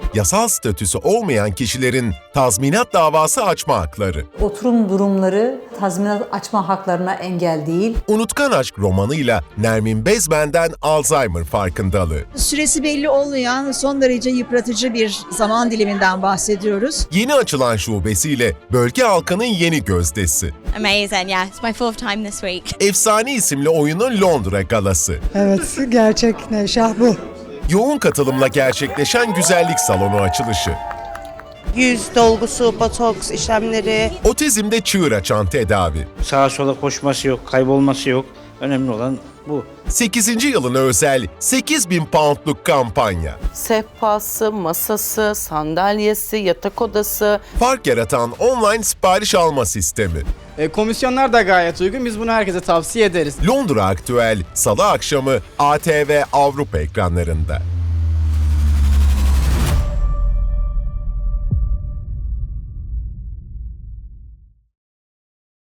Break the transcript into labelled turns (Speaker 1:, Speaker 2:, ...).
Speaker 1: yasal statüsü olmayan kişilerin tazminat davası açma hakları.
Speaker 2: Oturum durumları tazminat açma haklarına engel değil.
Speaker 1: Unutkan Aşk romanıyla Nermin Bezmen'den Alzheimer farkındalığı.
Speaker 3: Süresi belli olmayan son derece yıpratıcı bir zaman diliminden bahsediyoruz.
Speaker 1: Yeni açılan şubesiyle bölge halkının yeni gözdesi.
Speaker 4: Amazing, yeah. It's my 4th time this week.
Speaker 1: Efsane isimli oyunun Londra galası.
Speaker 5: Evet, gerçek şah bu.
Speaker 1: Yoğun katılımla gerçekleşen güzellik salonu açılışı.
Speaker 6: Yüz dolgusu, botoks işlemleri.
Speaker 1: Otizmde çığır açan tedavi.
Speaker 7: Sağa sola koşması yok, kaybolması yok. Önemli olan bu.
Speaker 1: 8. yılına özel 8.000 poundluk kampanya.
Speaker 6: Sehpası, masası, sandalyesi, yatak odası.
Speaker 1: Fark yaratan online sipariş alma sistemi.
Speaker 8: Komisyonlar da gayet uygun. Biz bunu herkese tavsiye ederiz.
Speaker 1: Londra Aktüel Salı akşamı ATV Avrupa ekranlarında.